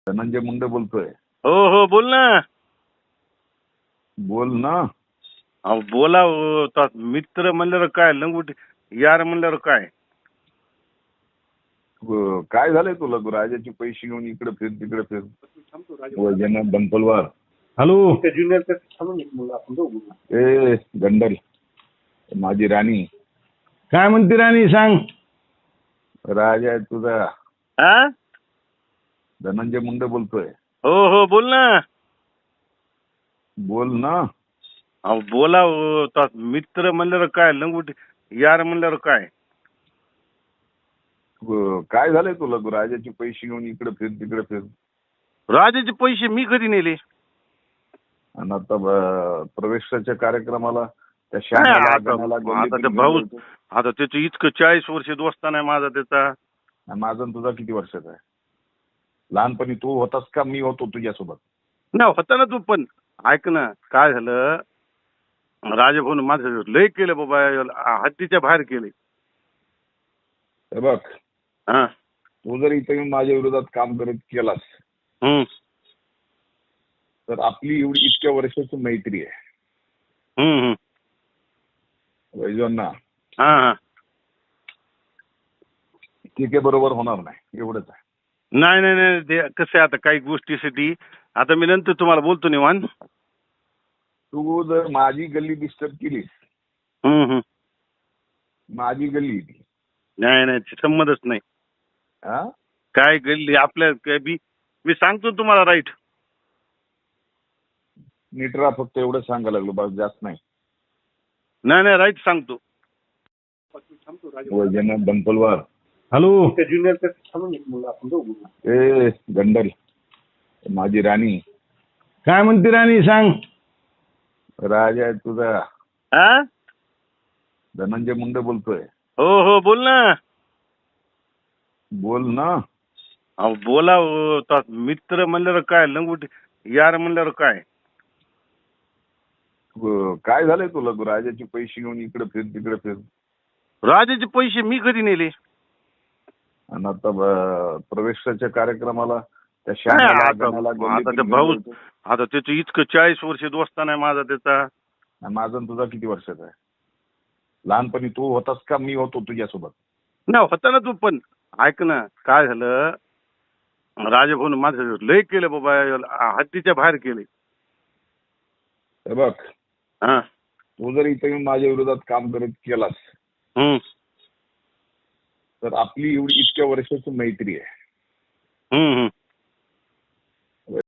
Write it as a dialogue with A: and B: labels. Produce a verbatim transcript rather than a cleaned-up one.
A: धनंजय मुंडे बोलतोय.
B: हो हो बोल ना.
A: बोल ना.
B: अहो बोला हो. तो मित्र म्हणल्यावर काय लंगोटी यार म्हणल्यावर काय.
A: ग- काय झालंय तुला राजाचे पैसे घेऊन इकडे फिर तिकडे फिर वैजनाथ बनपलवार.
C: हॅलो.
A: ए गंडल माझी राणी
C: काय म्हणते राणी सांग.
A: राजा आहे तुझा.
B: हा
A: धनंजय मुंडे बोलतोय.
B: हो हो बोल ना.
A: बोल ना.
B: अहो बोला हो. तो मित्र म्हणल्यावर काय लंगोटी यार म्हणल्यावर काय.
A: ग- काय झालंय तुला राजाचे पैसे घेऊन इकडे फिर तिकडे फिर
B: राजाचे पैसे मी कधी नेले.
A: आणि आता ब- प्रवेशाच्या कार्यक्रमाला त्या
B: नाही,
A: श्यामाला,
B: आता
A: गणाला,
B: आता
A: गल्लीतून
B: ते
A: घेऊन
B: भाऊ
A: जायचं.
B: आता त्याचं इतकं चाळीस वर्ष दोस्ता नाही माझा त्याचा.
A: आणि माझा आणि तुझा किती वर्षाचा आहे. लहानपणी तू होतास का मी होतो तुझ्यासोबत.
B: ना होता ना तू पण. ऐक ना काय झालं. राजभाऊन माझं लय केलं बाबा. हद्दीच्या बाहेर केले.
A: हे बघ
B: हा
A: तू जर इथे येऊन माझ्या विरोधात काम करत केलास
B: हम्म
A: तर आपली एवढी इतक्या वर्षाची मैत्री आहे.
B: हम्म हम्म.
A: वैजवांना
B: हा हा
A: ठीक आहे बरोबर होणार नाही एवढंच आहे.
B: नाही नाही नाही ते कसं आहे आता काही गोष्टीसाठी आता मी नंतर तुम्हाला बोलतो निवांत.
A: तू जर माझी गल्ली डिस्टर्ब केलीस
B: हम्म हम्म.
A: माझी गल्ली ती
B: नाही नाही ते संमतच नाही.
A: हा
B: काय गल्ली आपल्या काय बी मी सांगतो तुम्हाला राईट.
A: नीट राहा फक्त एवढं सांगायला लागलो बस जास्त नाही.
B: नाही नाही राईट सांगतो.
A: वैजनाथ बनपलवार.
C: हॅलो.
A: ए गंडल माझी राणी
C: काय म्हणते राणी सांग.
A: राजा आहे तुझा.
B: हा
A: धनंजय मुंडे बोलतोय.
B: हो हो बोल ना.
A: बोल ना.
B: अहो बोला हो. तो मित्र म्हणल्यावर काय लंगोटी यार म्हणल्यावर काय.
A: ग- काय झालंय तुला राजाचे पैसे घेऊन इकडे फिर तिकडे फिर
B: राजाचे पैसे मी कधी नेले.
A: आणि आता ब- प्रवेशाच्या कार्यक्रमाला त्या
B: नाही,
A: श्यामाला,
B: आता
A: गणाला,
B: आता
A: गल्लीतून
B: ते
A: घेऊन
B: भाऊ
A: जायचं.
B: आता त्याचं इतकं चाळीस वर्ष दोस्ता नाही माझा त्याचा.
A: आणि माझा आणि तुझा किती वर्षाचा आहे. लहानपणी तू होतास का मी होतो तुझ्यासोबत.
B: ना होता ना तू पण. ऐक ना काय झालं. राजभाऊन माझं लय केलं बाबा. हद्दीच्या बाहेर केले.
A: हे बघ
B: हा
A: तू जर इथे येऊन माझ्या विरोधात काम करत केलास
B: हम्म
A: तर आपली एवढी इतक्या वर्षाची मैत्री आहे.
B: हम्म हम्म.